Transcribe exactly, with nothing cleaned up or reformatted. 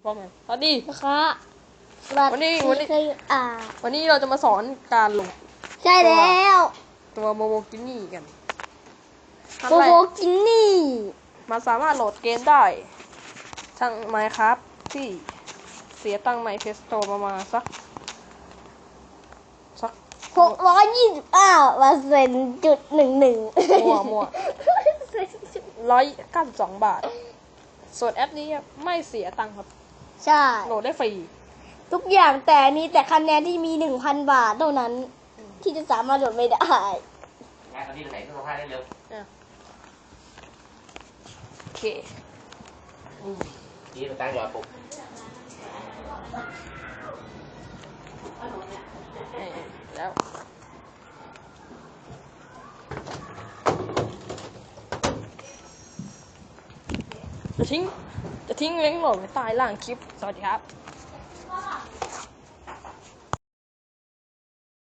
ว่าไงสวัสดีนะคะวันนี้วันนี้อ่าวันนี้เราจะมาสอนการโหลดใช่แล้วตัวโมโมกินี่กันขั้นโกแรโบกกินนี่มันสามารถโหลดเกมได้ทั้ง Minecraft ที่เสียตังค์ใน Play Store ประมาณสักสักหกร้อยยี่สิบเก้าเปอร์เซ็นต์จุดหนึ่งหนึ่งมั่วมั่วร้อยเก้าสิบสองบาท ส่วนแอปนี้ไม่เสียตังค์ครับใช่โหลดได้ฟรีทุกอย่างแต่มีแต่คะแนนที่มีหนึ่งพันบาทเท่านั้น ที่จะสามารถโหลดไม่ได้งานตอนนี้ไปไหนเครื่องซักผ้าได้เร็วอ่ะโอเคนี่มันตั้งอยู่อ่ะปุ๊บเอ่อแล้วจะทิ้งจะทิ้งลิงก์โหลดไว้ใต้ล่างคลิป สวัสดีครับ